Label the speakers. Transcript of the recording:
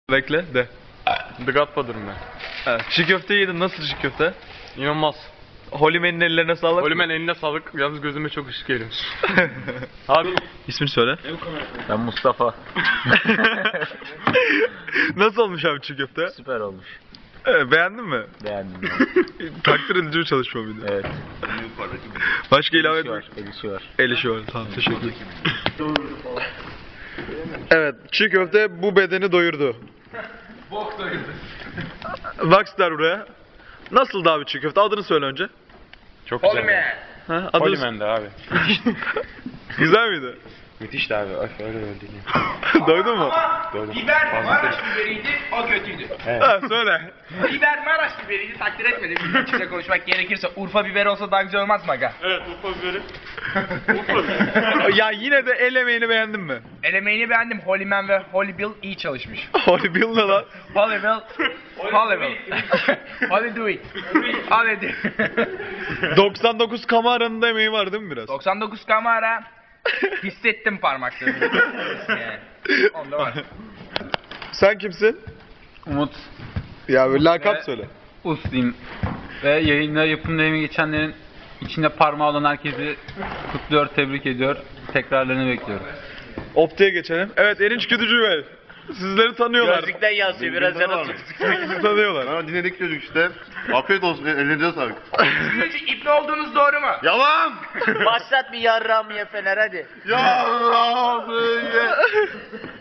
Speaker 1: Bekle de.
Speaker 2: The Godfather'ım ben.
Speaker 1: Evet. Çiğ köfte yedin. Nasıl çiğ köfte?
Speaker 2: İnanılmaz.
Speaker 1: Holimen'in ellerine sağlık.
Speaker 2: Olimen eline sağlık. Yalnız gözüme çok ışık geliyor. Abi
Speaker 1: İsmini söyle.
Speaker 3: Ben Mustafa.
Speaker 1: Nasıl olmuş abi çiğ köfte?
Speaker 3: Süper olmuş.
Speaker 1: Beğendin mi?
Speaker 3: Beğendim.
Speaker 1: Takdir edici bir çalışma mıydı?
Speaker 3: Evet.
Speaker 1: Başka ilave
Speaker 3: Elişi var.
Speaker 1: etmek?
Speaker 3: Elişi var.
Speaker 1: El işi var. Tamam, teşekkür ederim. Evet, çiğ köfte bu bedeni doyurdu.
Speaker 2: bok doyurdu.
Speaker 1: Rockstar buraya. Nasıldı abi çiğ köfte? Adını söyle önce.
Speaker 2: Çok güzel.
Speaker 1: Ha, adını...
Speaker 2: Olimen'de abi.
Speaker 1: Güzel miydi?
Speaker 2: Müthişti abi. Öf öyle öldü.
Speaker 1: Doydun mu?
Speaker 2: Doydum.
Speaker 4: Biber Maraş biberiydi, o kötüydü.
Speaker 1: Ha, söyle.
Speaker 4: Biber Maraş biberiydi, takdir etmedim. Açıkça konuşmak gerekirse Urfa biberi olsa daha güzel olmaz mı aga?
Speaker 2: Evet Urfa biberi.
Speaker 1: Ya yine de el emeğini beğendin mi?
Speaker 4: Elemeğini beğendim. Holyman ve Holy Bill iyi çalışmış.
Speaker 1: Holy Bill ne lan?
Speaker 4: Holy Bill. Holy Bill. Holy do it. Holy do.
Speaker 1: 99 kameranın da emeği var değil mi biraz?
Speaker 4: 99 kamera. Hissettim parmaklarını. Yani. Onda var.
Speaker 1: Sen kimsin?
Speaker 5: Umut
Speaker 1: Ya böyle lakap
Speaker 5: Ve-
Speaker 1: söyle.
Speaker 5: Usluyum ve yayında yapım deneyimi geçenlerin içinde parmağı olan herkesi kutluyor, tebrik ediyor. Tekrarlarını bekliyorum.
Speaker 1: Opti'ye geçelim. Evet, Erinç Güdücü Bey. Sizleri tanıyorlar.
Speaker 3: Gözlükten yansıyor. Biraz yana tut.
Speaker 1: Sizi tanıyorlar.
Speaker 6: Bana dinledik çocuk işte. Afiyet olsun, ellerinize sağlık.
Speaker 4: Sizin için ipne olduğunuz doğru mu?
Speaker 6: Yalan!
Speaker 3: Başlat bir yarram ye Fener hadi.
Speaker 6: Yalan!